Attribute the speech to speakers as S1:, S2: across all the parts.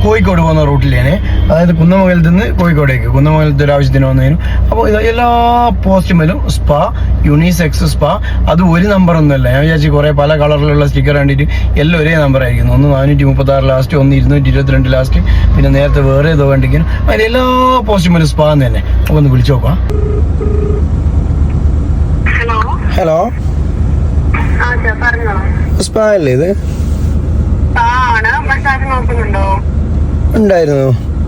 S1: കോഴിക്കോട് പോകുന്ന റൂട്ടിലാണ്, അതായത് കുന്നമംഗലത്ത് നിന്ന് കോഴിക്കോടേക്ക്, കുന്നമംഗലത്ത് ഒരു ആവശ്യത്തിന് വന്നതിനും. അപ്പോൾ ഇത് എല്ലാ പോസ്റ്റുമേലും സ്പാ, യൂണിസെക്സ് സ്പാ. അത് ഒരു നമ്പറൊന്നുമല്ല, ഞാൻ വിചാരിച്ചു കുറേ പല കളറിലുള്ള സ്റ്റിക്കർ കണ്ടിട്ട് എല്ലാം ഒരേ നമ്പർ ആയിരിക്കുന്നു. ഒന്ന് 436 ലാസ്റ്റ്, ഒന്ന് 222 ലാസ്റ്റ്, പിന്നെ നേരത്തെ വേറെ ഏതോ കണ്ടിരിക്കുന്നു. അതിൽ എല്ലാ പോസ്റ്റുമേലും സ്പാ എന്ന് തന്നെ. അപ്പോൾ ഒന്ന് വിളിച്ചു നോക്കാം. ഹലോ, സ്പാ അല്ലേ ഇത്? ഉണ്ടായിരുന്നു.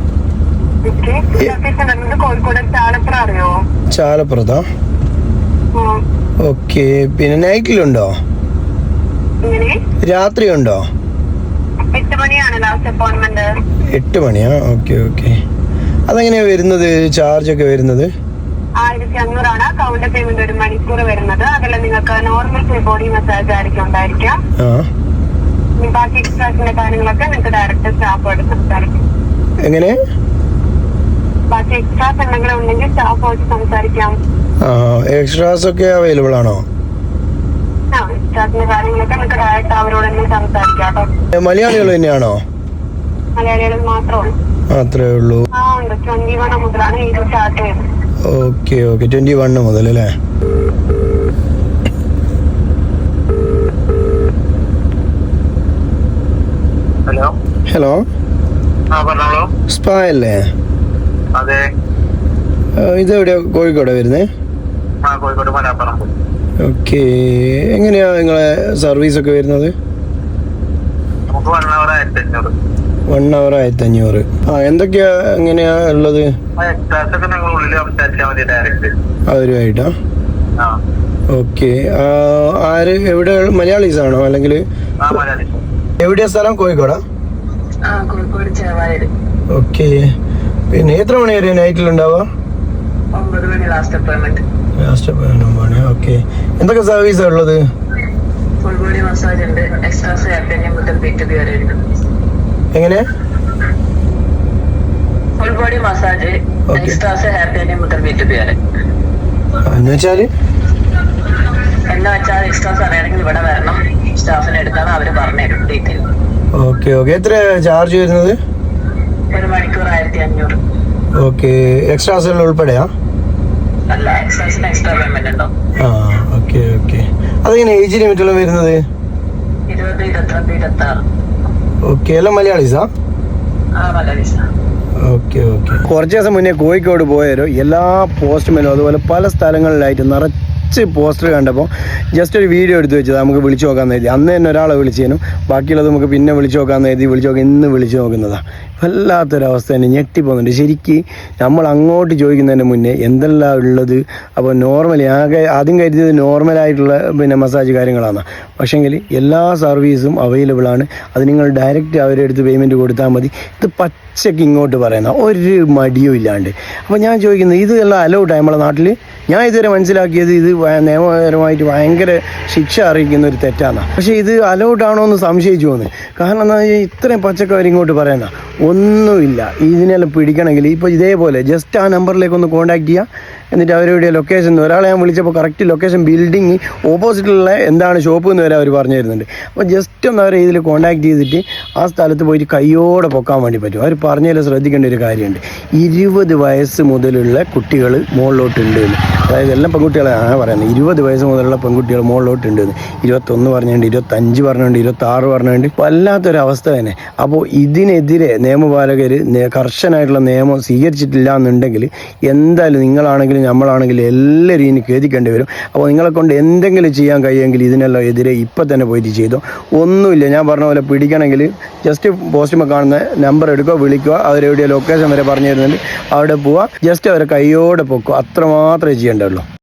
S1: ചാലപ്പുറത്താ? ഓക്കെ. പിന്നെ നൈറ്റിലുണ്ടോ? രാത്രി ഉണ്ടോ? 8 മണിയാ? Okay okay. അതെങ്ങനെയാ വരുന്നത്, ചാർജ് ഒക്കെ വരുന്നത്?
S2: 1500 കൗണ്ടർ പേയ്മെന്റ്, 1 മണിക്കൂർ വരുന്നത്. അതല്ല നിങ്ങൾക്ക് നോർമൽ ബോഡി മസാജ് ആയിരിക്കും ഉണ്ടായിരിക്കാം. ബാക്കി എക്സ്ട്രാസിന്റെ കാര്യങ്ങളൊക്കെ നിങ്ങൾക്ക് ഡയറക്റ്റ് സ്റ്റാഫോട് സംസാരിക്കാം.
S1: എങ്ങനെ?
S2: ബാക്കി എക്സ്ട്രാസ് എന്തെങ്കിലും ഉണ്ടെങ്കിൽ സ്റ്റാഫോട് സംസാരിക്കാം.
S1: എക്സ്ട്രാസ് ഒക്കെ അവൈലബിൾ ആണോ?
S2: എക്സ്ട്രാസിന്റെ കാര്യങ്ങളൊക്കെ നിങ്ങൾക്ക് ഡയറക്റ്റ് അവരോട് തന്നെ സംസാരിക്കാം.
S1: മലയാളികൾ തന്നെയാണോ?
S2: മലയാളികൾ മാത്രമേ ഉള്ളൂ.
S1: മാത്രമേ ഉള്ളൂ?
S2: 21 മുതലാണ് ഇത് സ്റ്റാർട്ട് ചെയ്യുന്നത്.
S1: Okay okay. 21 മുതൽ അല്ലേ? ഹലോ, സ്പാ അല്ലേ?
S3: അതെ.
S1: ഇതെവിടെയാ? കോഴിക്കോടാ വരുന്നേ? ഓക്കെ. എങ്ങനെയാ നിങ്ങളെ സർവീസ് ഒക്കെ വരുന്നത്? 1 hour 1500. എന്തൊക്കെയാ എങ്ങനെയാ ഉള്ളത്? അവരുമായിട്ടാ? ഓക്കെ. ആര്, എവിടെ? മലയാളീസ് ആണോ അല്ലെങ്കിൽ എവിടെയാ സ്ഥലം? കോഴിക്കോടാ? ഓക്കെ. പിന്നെ എത്ര മണി വരെ നൈറ്റിലുണ്ടാവുക?
S2: 9 മണി ലാസ്റ്റ് അപ്പോയിന്റ്മെന്റ്.
S1: ഓക്കെ. എന്തൊക്കെ സർവീസാ ഉള്ളത്?
S2: ഫുൾ ബോഡി മസാജ് ഉണ്ട്, എക്സ്ട്രാസ് മുതൽ B2B വരെ ഉണ്ട്.
S1: എങ്ങനെ?
S2: Full body massage, extras hair മുതൽ B2B വരെ.
S1: എന്നുവെച്ചാല്
S2: എക്സ്ട്രാസ് അറിയണമെങ്കിൽ ഇവിടെ വരണം, സ്റ്റാഫിനെ എടുത്താണ് അവര് പറഞ്ഞുതരും ഡീറ്റെയിൽ.
S1: Okay okay. എത്ര ചാർജ് വരുന്നത്?
S2: 1 മണിക്കൂർ 1500.
S1: ഓക്കെ. എക്സ്ട്രാസ് എല്ലാം ഉൾപ്പെടെയാ?
S2: അല്ല, എക്സ്ട്രാസിന് എക്സ്ട്രാ പേയ്മെന്റ് ഉണ്ടോ?
S1: Okay okay. അതെങ്ങനെ ഏജ് ലിമിറ്റ് എല്ലാം വരുന്നത്?
S2: 20, 22, 26.
S1: ഓക്കെ. എല്ലാം മലയാളീസാ?
S2: മലയാളീസാ.
S1: Okay okay. കുറച്ച് ദിവസം മുന്നേ കോഴിക്കോട് പോയാലോ, എല്ലാ പോസ്റ്റുമേലും അതുപോലെ പല സ്ഥലങ്ങളിലായിട്ട് നിറച്ച് പോസ്റ്റർ കണ്ടപ്പോൾ ജസ്റ്റ് ഒരു വീഡിയോ എടുത്ത് വെച്ചത് നമുക്ക് വിളിച്ചു നോക്കാമെന്ന് എഴുതി. അന്ന് തന്നെ ഒരാളെ വിളിച്ചേനും, ബാക്കിയുള്ളത് നമുക്ക് പിന്നെ വിളിച്ചു നോക്കാമെന്ന് എഴുതി. ഇന്ന് വിളിച്ചു നോക്കുന്നതാണ്. വല്ലാത്തൊരവസ്ഥ തന്നെ, ഞെട്ടിപ്പോകുന്നുണ്ട് ശരിക്ക്. നമ്മൾ അങ്ങോട്ട് ചോദിക്കുന്നതിന് മുന്നേ എന്തെല്ലാം ഉള്ളത്. അപ്പോൾ നോർമലി ആദ്യം കരുതിയത് നോർമലായിട്ടുള്ള പിന്നെ മസാജ് കാര്യങ്ങളാണ്. പക്ഷേങ്കിൽ എല്ലാ സർവീസും അവൈലബിൾ ആണ്. അത് നിങ്ങൾ ഡയറക്റ്റ് അവരുടെ അടുത്ത് പേയ്മെൻറ്റ് കൊടുത്താൽ മതി. ഇത് പച്ചയ്ക്ക് ഇങ്ങോട്ട് പറയുന്ന ഒരു മടിയും ഇല്ലാണ്ട്. അപ്പോൾ ഞാൻ ചോദിക്കുന്നത്, ഇത് എല്ലാം അലൗഡാണ് നമ്മളെ നാട്ടിൽ? ഞാൻ ഇതുവരെ മനസ്സിലാക്കിയത് ഇത് നിയമപരമായിട്ട് ഭയങ്കര ശിക്ഷ അറിയിക്കുന്ന ഒരു തെറ്റാണ്. പക്ഷേ ഇത് അലൗഡാണോ എന്ന് സംശയിച്ചു പോകുന്നത്. കാരണം എന്താ വെച്ചാൽ ഇത്രയും പച്ചക്കറി ഇങ്ങോട്ട് പറയുന്ന ഒന്നുമില്ല. ഇതിനെല്ലാം പിടിക്കണമെങ്കിൽ ഇപ്പോൾ ഇതേപോലെ ജസ്റ്റ് ആ നമ്പറിലേക്ക് ഒന്ന് കോൺടാക്ട് ചെയ്യുക. എന്നിട്ട് അവരുടെ ലൊക്കേഷൻ, ഒരാളെ ഞാൻ വിളിച്ചപ്പോൾ കറക്റ്റ് ലൊക്കേഷൻ ബിൽഡിങ് ഓപ്പോസിറ്റുള്ള എന്താണ് ഷോപ്പ് എന്ന് വരെ അവർ പറഞ്ഞു തരുന്നുണ്ട്. അപ്പോൾ ജസ്റ്റ് ഒന്ന് അവരെ ഇതിൽ കോൺടാക്ട് ചെയ്തിട്ട് ആ സ്ഥലത്ത് പോയിട്ട് കയ്യോടെ പൊക്കാൻ വേണ്ടി പറ്റും. അവർ പറഞ്ഞതിൽ ശ്രദ്ധിക്കേണ്ട ഒരു കാര്യമുണ്ട്. 20 വയസ്സ് മുതലുള്ള കുട്ടികൾ മുകളിലോട്ടുണ്ട്. അതായത് എല്ലാം പെൺകുട്ടികളാണ് പറയുന്നത്. 20 വയസ്സ് മുതലുള്ള പെൺകുട്ടികൾ മുകളിലോട്ടുണ്ട്. 21 പറഞ്ഞുകൊണ്ട്, 25 പറഞ്ഞുകൊണ്ട്, 26 പറഞ്ഞുകൊണ്ട് വല്ലാത്തൊരവസ്ഥ തന്നെ. അപ്പോൾ ഇതിനെതിരെ നിയമപാലകർ കർശനമായിട്ടുള്ള നിയമം സ്വീകരിച്ചിട്ടില്ല എന്നുണ്ടെങ്കിൽ എന്തായാലും നിങ്ങളാണെങ്കിലും നമ്മളാണെങ്കിലും എല്ലാവരും ഇനി ഖേദിക്കേണ്ടി വരും. അപ്പോൾ നിങ്ങളെ കൊണ്ട് എന്തെങ്കിലും ചെയ്യാൻ കഴിയുമെങ്കിൽ ഇതിനെല്ലാം എതിരെ ഇപ്പം തന്നെ പോയിട്ട് ചെയ്തോ. ഒന്നുമില്ല, ഞാൻ പറഞ്ഞ പോലെ പിടിക്കണമെങ്കിൽ ജസ്റ്റ് പോസ്റ്റുമ്പോൾ കാണുന്ന നമ്പർ എടുക്കുക, വിളിക്കുക. അവരെവിടെയോ ലൊക്കേഷൻ വരെ പറഞ്ഞു തരുന്നുണ്ട്, അവിടെ പോവുക, ജസ്റ്റ് അവരെ കയ്യോടെ പൊക്കുക. അത്രമാത്രമേ ചെയ്യേണ്ടതുള്ളൂ.